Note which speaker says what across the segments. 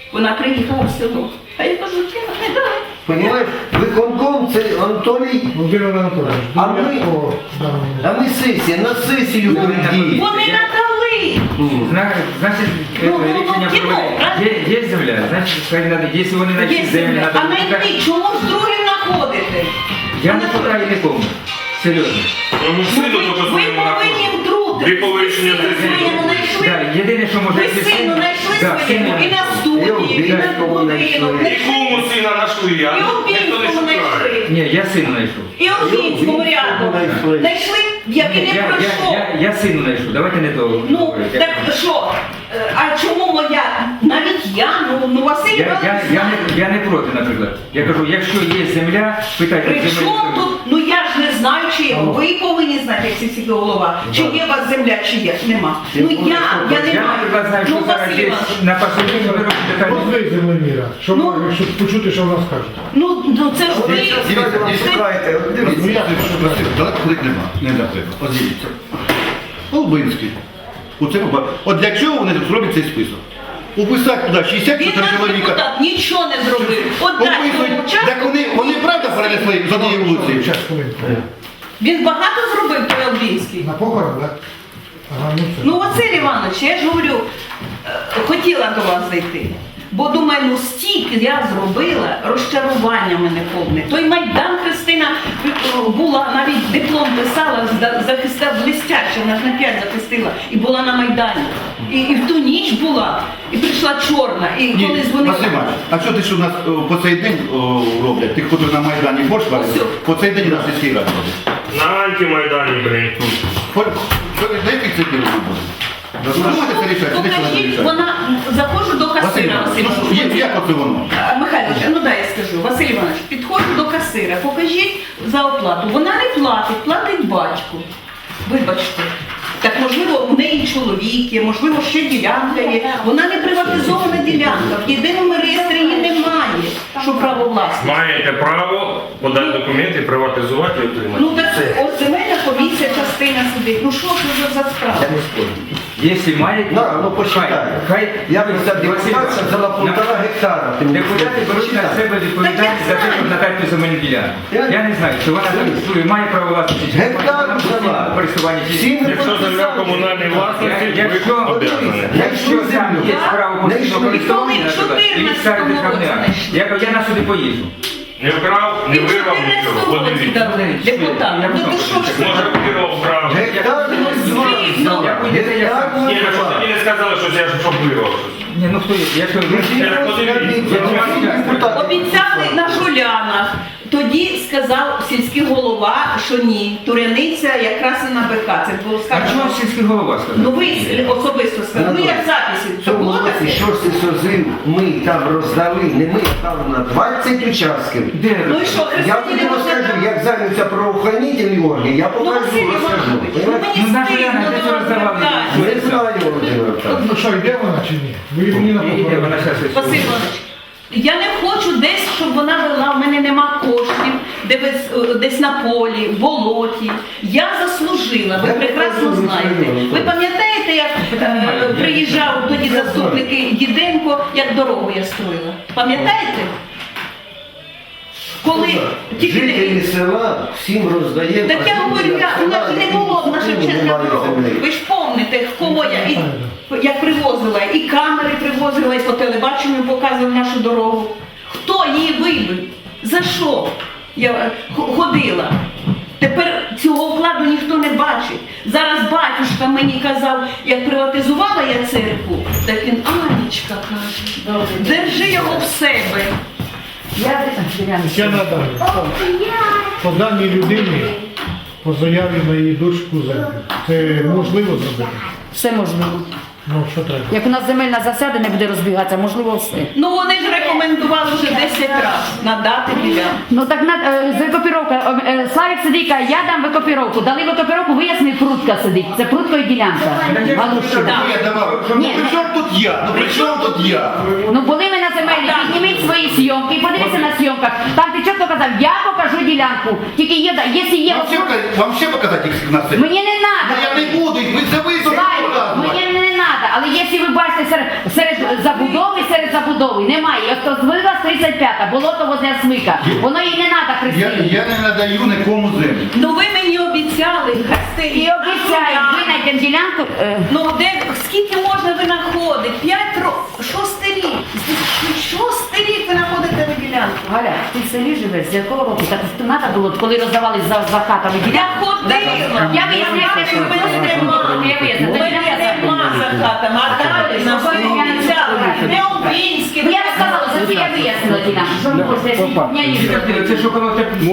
Speaker 1: Вона приїхала в село. А я кажу, не дай.
Speaker 2: Понимаєш, виконком це Анатолій,
Speaker 3: Володимир Анатолійович,
Speaker 2: а ми сесія, на сесію дії.
Speaker 1: Вони надали.
Speaker 4: Значит, решение проводить. Есть земля, значит, если вони
Speaker 1: Є
Speaker 4: знайшли землю,
Speaker 1: земля.
Speaker 4: надо
Speaker 1: А знайти, чому ж другим знаходите?
Speaker 4: Я не шукаю нікому. Серйозно.
Speaker 5: Ну,
Speaker 1: Ви повинні втрутитися.
Speaker 5: Ви по рішенню
Speaker 1: Ви своєму знайшли.
Speaker 4: Да, єдине, що може...
Speaker 1: Ви сину знайшли
Speaker 4: Да,
Speaker 1: своєму і на студії, і на будинок.
Speaker 5: Нікому сина нашли,
Speaker 1: І
Speaker 5: а ніхто не
Speaker 1: Обінському
Speaker 5: шукає.
Speaker 1: знайшли.
Speaker 4: Ні, я сину знайшов.
Speaker 1: І Обінському рядом. Знайшли, який не пройшов.
Speaker 4: Я сину знайшов, давайте не того.
Speaker 1: Ну, так що? А чому моя? Навіть я, ну Василь Іванович знає.
Speaker 4: Я не проти, наприклад. Я кажу, якщо є земля, питайте
Speaker 1: При
Speaker 4: землю.
Speaker 1: чому тут? Ну я ж не знаю, чи є. Ви повинні знати, як сільський голова. Чи є у вас земля, чи є. Нема. Ну я не
Speaker 4: Я,
Speaker 1: маю.
Speaker 4: наприклад, знаю, що
Speaker 1: Ну,
Speaker 4: зараз
Speaker 1: Василь
Speaker 4: є
Speaker 1: Іванович,
Speaker 4: на посольні беруть детальні.
Speaker 3: Позви землеміра, щоб почути, що вона скаже.
Speaker 1: ну це ж ви.
Speaker 2: Дивіться, не шукайте, дивіться.
Speaker 6: Далеко ходити нема, не треба. От дивіться. Лубинський. От для чого вони зроблять цей список? Уписати туди 64
Speaker 1: Він наш
Speaker 6: чоловіка.
Speaker 1: депутат нічого не зробив. От дай
Speaker 6: Описують.
Speaker 1: цьому часу.
Speaker 6: Так вони правда перенесли з однієї вулиці?
Speaker 3: Час, хвилинку.
Speaker 1: Він багато зробив той Обінський.
Speaker 3: На похорон, так? Ага, ну все.
Speaker 1: Ну, Василь Іванович, я ж говорю, хотіла до вас зайти. Бо думаю, ну стільки я зробила, розчарування мене повне. Той Майдан Христина була, навіть диплом писала, захистила блистяче, вона ж на 5 захистила, і була на Майдані. І в ту ніч була, і прийшла чорна, і
Speaker 6: Ні,
Speaker 1: коли дзвонила.
Speaker 6: Василь Іванович, а що ти що у нас по цей день роблять? Ти ходив на Майдані борщ варив?
Speaker 1: Ось.
Speaker 6: По цей день на сільській раді робить.
Speaker 5: На антимайдані, блин.
Speaker 6: На яких це день буде? Думаєте, це рішать? Чи ти що не
Speaker 1: Покажіть,
Speaker 6: рішать?
Speaker 1: вона, заходжу до
Speaker 6: Василь
Speaker 1: касира,
Speaker 6: Іванович,
Speaker 1: Василь
Speaker 6: ну що,
Speaker 1: Іванович.
Speaker 6: як оце воно?
Speaker 1: Михайлович, ну дай я скажу. Василь Іванович, підходжу до касира, покажіть за оплату. Вона не платить, платить батько. Вибачте. Так можливо, у неї чоловік є, можливо, ще ділянка є. Вона не приватизована ділянка. В єдиному реєстрі її немає, що право власності.
Speaker 5: Маєте право подати документи, приватизувати і отримати.
Speaker 1: Ну так от земельна комісія частина сидить. Ну що це за справа?
Speaker 2: Я не спорю.
Speaker 4: Якщо мають,
Speaker 2: Да, ну посчитай. Я би за депутатів взяла 1,5 гектара. Ти мені
Speaker 4: депутати беруть на
Speaker 2: посчитай.
Speaker 4: себе відповідальність за те, щоб надати земельну ділянку. Я не знаю, чи вона зареєструє, має право власності, чи
Speaker 2: Гектар
Speaker 4: вона
Speaker 2: взяла.
Speaker 4: в користуванні чи
Speaker 2: Всі не
Speaker 5: Якщо земля комунальної власності,
Speaker 4: Якщо-
Speaker 5: ви обов'язані.
Speaker 4: Якщо там є право постійного користування, наприклад, і від старої державної армії, я на суди поїжджу.
Speaker 5: Не вкрав, не вирвав нічого. Подивіться.
Speaker 1: Депутат. Ну то що ж це?
Speaker 5: Може, вирвав, вкрав.
Speaker 2: Гектар не звав.
Speaker 1: Ну,
Speaker 2: Гектар
Speaker 5: Ні,
Speaker 2: не
Speaker 5: ви що тоді не сказали, що я ж щоб вирвав щось.
Speaker 4: Ні, ну хто є? Якщо
Speaker 1: Обіцяли на Жулянах. Тоді сказав сільський голова, що ні. Туряниця якраз і на БК. Це було
Speaker 4: А
Speaker 1: сказано.
Speaker 4: чого сільський голова сказав?
Speaker 1: Ну ви особисто сказали. Ну як записи. Це було таке?
Speaker 2: Що ж ти созив, ми там роздали, не ми, а там на 20 участків.
Speaker 4: Де?
Speaker 1: Ну і що,
Speaker 2: Я
Speaker 1: Христині
Speaker 2: тобі розкажу, як зайняться правоохоронительні органи, я
Speaker 1: Ну,
Speaker 2: покажу,
Speaker 1: Василь
Speaker 2: розкажу.
Speaker 1: Іванович, ну
Speaker 2: Понимаєте?
Speaker 1: мені
Speaker 4: Ну, на
Speaker 1: стидно
Speaker 4: Жулянах десь
Speaker 1: до вас
Speaker 4: роздавали.
Speaker 1: звертатися.
Speaker 2: Не знаю, Володимир Олександрович.
Speaker 3: Ну що, йде вона чи ні? Ви мені на
Speaker 4: Іде
Speaker 3: похорон.
Speaker 4: вона зараз.
Speaker 1: Василь Іванович, я не хочу десь, щоб вона вела, в мене нема коштів, десь на полі, в болоті. Я заслужила, ви прекрасно знаєте. Ви пам'ятаєте, як приїжджав тоді заступник Діденко, як дорогу я строїла? Пам'ятаєте? Коли тільки
Speaker 2: Жителі села всім роздаємо.
Speaker 1: так я говорю, у нас же не було на Шевченка
Speaker 2: немає
Speaker 1: дорогу.
Speaker 2: землі.
Speaker 1: Ви ж пам'ятаєте, кого я як привозила, і камери привозила, і по телебаченню показували нашу дорогу. Хто її вибив? За що я ходила? Тепер цього вкладу ніхто не бачить. Зараз батюшка мені казав, як приватизувала я церкву, так він, Анечка каже, держи його в себе.
Speaker 3: Ще надалі. По даній людині, по заяві на її дочку землю. Це можливо зробити?
Speaker 7: Все можливо.
Speaker 3: Ну, що треба?
Speaker 7: Як у нас земельна засяда не буде розбігатися, можливо все.
Speaker 1: Ну вони ж рекомендували вже 10 разів надати ділянку.
Speaker 7: Ну так викопіровка. Славік сидить, каже, я дам викопіровку. Дали викопіровку, вияснив, Прутка сидить. Це Прутко і ділянка. Галущина.
Speaker 6: Я давав. Ну
Speaker 7: Ні.
Speaker 6: при чому тут я? Ну при чому тут я?
Speaker 7: Ну були ми на земельні, підніміть свої зйомки, подивіться на зйомках. Там ти чітко казав, я покажу ділянку. Тільки є, якщо є...
Speaker 6: Вам ще показати їх на це?
Speaker 7: Мені не
Speaker 6: Ну,
Speaker 7: треба.
Speaker 6: я не буду, ви це ви
Speaker 7: Славік, мені не треба, але є якщо ви бачите серед забудови, немає. Ось то звила 35-та, болото возле Смика. Воно їй не треба Христині.
Speaker 6: Я не надаю нікому землю.
Speaker 1: Ну ви мені обіцяли,
Speaker 7: І обіцяю, винайдемо ділянку.
Speaker 1: Ну де скільки можна ви знаходити? 5 років, 6 рік. 6 рік ви знаходите ви ділянку.
Speaker 7: Галя, ти в селі живеш, з якого року? Так треба було, коли роздавали за хатами
Speaker 1: Я
Speaker 7: ділянку.
Speaker 1: ходила.
Speaker 7: Я виясняю, що ви мене я виясняю.
Speaker 1: У мене нема за хатами, а далі нам ви обіцяли. Не Обінський.
Speaker 7: Ну, я розказала, за це я вияснила ділянку. Що ви хочете, я не їжджу.
Speaker 4: Це що коли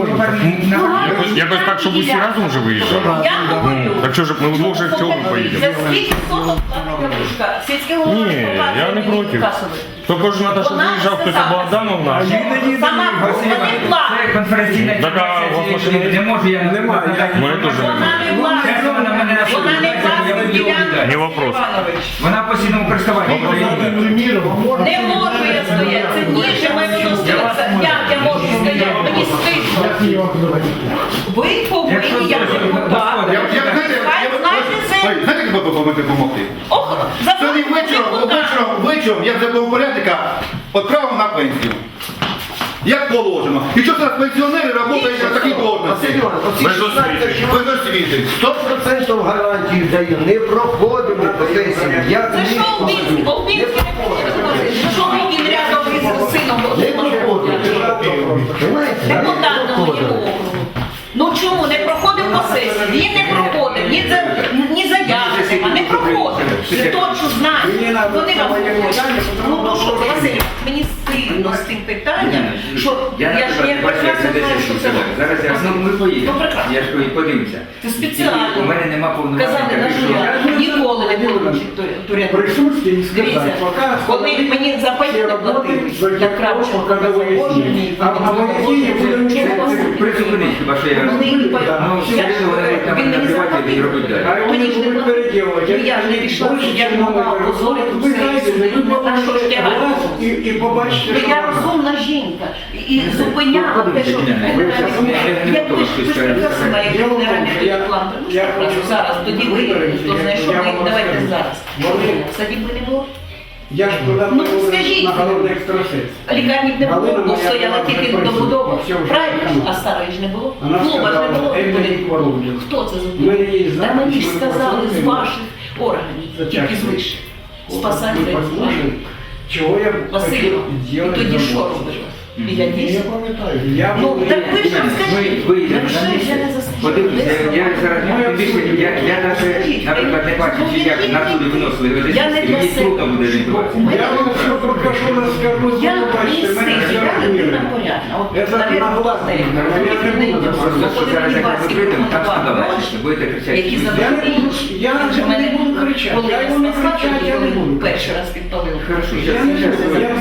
Speaker 5: Якось так, щоб усі разом вже виїжджали.
Speaker 1: Я говорю.
Speaker 5: Так що ж ми вдвох же в цьому поїдемо?
Speaker 1: За скільки соток платить Галушка? Сільське голова
Speaker 5: Ні, я не проти. Тільки ж Наташа заїжджав, хтось або Адамовна.
Speaker 1: Сама не платить.
Speaker 4: Це конференційна
Speaker 5: Так, а у вас машини
Speaker 4: не можу, я не можу.
Speaker 5: Мене теж
Speaker 1: Вона
Speaker 5: немає.
Speaker 1: не власна. Вона не власна ділянка.
Speaker 5: Не вопрос.
Speaker 4: Вона в постійному користуванні.
Speaker 1: Не можу я стояти. Це ніже мене стоїться. Як я можу стояти? Мені стидно. Ви повинні, як депутат.
Speaker 6: Знаєте, як ви допомогти?
Speaker 1: Ох,
Speaker 6: Сьогодні вечором я вже був порядника відправив на пенсію. Як положено. І що зараз пенсіонери працюють на такій должності?
Speaker 5: Без освіти.
Speaker 6: Без освіти.
Speaker 2: 100% гарантію даю, не проходимо по сесії.
Speaker 1: Це що Обінський? Обінський не хоче. Що він рядом із сином?
Speaker 2: Не проходимо.
Speaker 1: Депутат на моєму округу. Ну чому не проходив по сесії? Він не проходив, ні заяви нема, не проходив. Це точно знаю. Вони вам говорять. Ну що, Василь, мені стидно з тим питанням, що я ж не прекрасно знаю, що це робить.
Speaker 4: Зараз ми поїдемо.
Speaker 1: Ну, прекрасно.
Speaker 4: Я ж подивимося.
Speaker 1: Це спеціально.
Speaker 4: У мене нема повноважень.
Speaker 1: Казали, на що я ніколи не буду туряти. Дивіться, коли мені за паї не платили, я Кравченко казав, Боже мій,
Speaker 4: Призупиніть, хіба що я розумію. Ну, все рівно вони
Speaker 1: він мені
Speaker 4: набивати і робити далі.
Speaker 1: Мені ж не платили. Ну я ж не пішла, я ж могла опозорити все, на що ж тягати.
Speaker 3: І побачите,
Speaker 1: Ну, я розумна жінка і зупиняла те, що як ви ж прекрасно, як ви не раніше план. Зараз, тоді ви, хто знайшов, давайте зараз. Кстати, би не було.
Speaker 3: Я ж туди
Speaker 1: Ну, скажіть.
Speaker 3: на головний екстрасенс.
Speaker 1: Лікарні не було, бо стояла тільки добудова. Правильно? А старої ж не було.
Speaker 3: Вона
Speaker 1: Клуба ж не було.
Speaker 3: сказала,
Speaker 1: Хто це
Speaker 3: У мене є
Speaker 1: зробив? Та
Speaker 3: запис,
Speaker 1: мені ж
Speaker 3: що ви
Speaker 1: сказали з
Speaker 3: послухайте.
Speaker 1: ваших органів, тільки з вищих. Спасати
Speaker 3: Ви послухайте, чого я
Speaker 1: Васильова. І
Speaker 3: хотів
Speaker 1: тоді
Speaker 3: зробити
Speaker 1: що
Speaker 3: за
Speaker 1: робиш?
Speaker 3: вас.
Speaker 1: І я дійсно.
Speaker 3: пам'ятаю. Я
Speaker 1: Ну,
Speaker 3: був-
Speaker 1: так ви ж розкажіть.
Speaker 4: Виїдемо
Speaker 1: Якщо
Speaker 4: на
Speaker 1: я
Speaker 4: місце.
Speaker 1: не заслужила.
Speaker 4: Подивіться, я зараз тим більше, я навіть, наприклад, не бачу, чи як на туди виносили
Speaker 1: Я не
Speaker 4: мені
Speaker 1: для
Speaker 4: трудно
Speaker 1: себе.
Speaker 4: буде орієнтуватися.
Speaker 3: Я вам все покажу, розкажу,
Speaker 1: Я не
Speaker 3: побачите, мене
Speaker 1: сильна,
Speaker 3: все
Speaker 1: я людина
Speaker 3: розуміє.
Speaker 1: порядна. От,
Speaker 3: Я зараз
Speaker 1: навіть,
Speaker 3: нагласний,
Speaker 1: власне,
Speaker 3: я не буду
Speaker 4: Просто що зараз як ми прийдемо, там скандал, будете кричати.
Speaker 1: які
Speaker 3: Я не
Speaker 1: забрали.
Speaker 3: буду, я не буду кричати,
Speaker 1: Коли
Speaker 3: я
Speaker 1: я
Speaker 3: його не кричати, я не буду.
Speaker 1: перший раз підпалив.
Speaker 4: Хорошо,
Speaker 3: Я не буду, я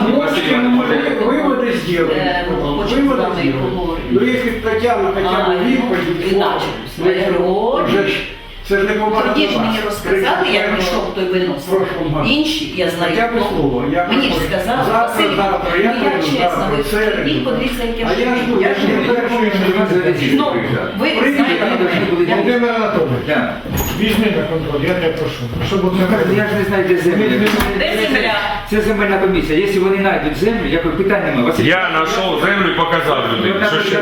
Speaker 3: выводы сделали. Выводы сделали. Ну если Татьяна хотя бы відповідь,
Speaker 1: Іначе. Я говорю,
Speaker 3: вже ж це ж не поважно.
Speaker 1: тоді ж мені розказали, як пішов той виносив. Інші, я знаю,
Speaker 3: Хоча б слово. Я
Speaker 1: мені ж
Speaker 3: приходжу.
Speaker 1: сказали,
Speaker 3: Завтра,
Speaker 1: Василь,
Speaker 3: завтра,
Speaker 1: ну
Speaker 3: я
Speaker 1: я
Speaker 3: прийду,
Speaker 1: чесно,
Speaker 3: завтра,
Speaker 1: ви
Speaker 3: в середу.
Speaker 1: прийдіть, подивіться, як
Speaker 3: А я жду,
Speaker 1: я
Speaker 3: я
Speaker 1: ж
Speaker 3: ж
Speaker 1: не
Speaker 3: не перший,
Speaker 1: Ну, ви знаєте,
Speaker 3: Володимир Анатолійович,
Speaker 4: Так.
Speaker 3: візьми на контроль, я тебе прошу. Щоб от
Speaker 4: Я ж не знаю, де земля.
Speaker 1: де земля?
Speaker 4: Це земельна комісія. Якщо вони знайдуть землю, якої питань немає. Василь,
Speaker 5: Я знайшов землю і показав людині. Що ще?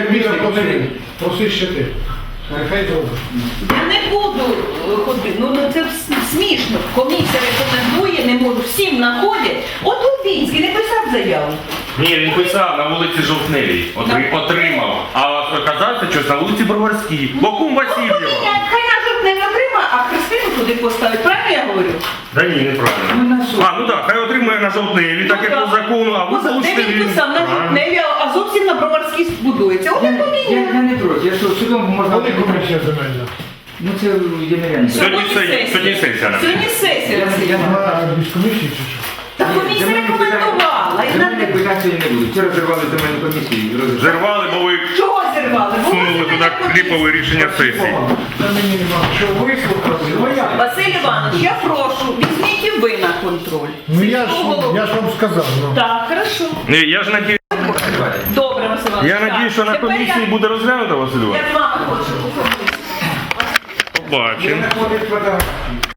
Speaker 3: Проси ще ти. Хай зробиш.
Speaker 1: Я не буду ходити. Ну це смішно. Комісія рекомендує, не можу. Всім знаходять. От Лубінський не писав заяву.
Speaker 5: Ні, він писав на вулиці Жовтневій. Отримав. А оказався щось на вулиці Броварській. Бокум Васильєва.
Speaker 1: Хай нажок не отримає, а Христину туди поставить. Правильно я говорю?
Speaker 5: Да ні, неправильно. А, ну так, хай отримує на Жовтневій, так як по закону, а ви
Speaker 1: Де
Speaker 5: залишите
Speaker 1: він писав на Жовтневі, а зовсім на Броварській будується. От і
Speaker 4: я
Speaker 1: поміняє.
Speaker 4: не проти. Я що, судом можна...
Speaker 3: Коли комісія земельна?
Speaker 4: Ну це є нереально.
Speaker 5: Сьогодні сесія.
Speaker 1: Сьогодні сесія. Василь.
Speaker 3: Без комісії чи що?
Speaker 1: Та комісія рекомендувала. І
Speaker 4: Земельних
Speaker 1: на-
Speaker 4: питань сьогодні не буде. Вчора зірвали земельну комісію.
Speaker 5: Зірвали, бо ви
Speaker 1: Чого зірвали? Бо
Speaker 5: сунули
Speaker 1: ви
Speaker 5: туди
Speaker 1: земельна комісія.
Speaker 5: кліпове рішення сесії.
Speaker 3: Та мені нема. Що вислухали? Ну як?
Speaker 1: Василь Іванович, я прошу, візьміть і ви на контроль.
Speaker 3: Ну я
Speaker 1: Сільського
Speaker 3: ж вам сказав. Ну.
Speaker 1: Так, хорошо.
Speaker 5: Ні, я ж надію,
Speaker 1: Добре, Василь Іванович.
Speaker 5: я
Speaker 1: так.
Speaker 5: надію, що на
Speaker 1: Тепер
Speaker 5: комісії буде розглянуто, Василь
Speaker 1: Я
Speaker 5: Іванович.
Speaker 1: з вами хочу.
Speaker 5: Побачимо.
Speaker 3: Ходить фотографії.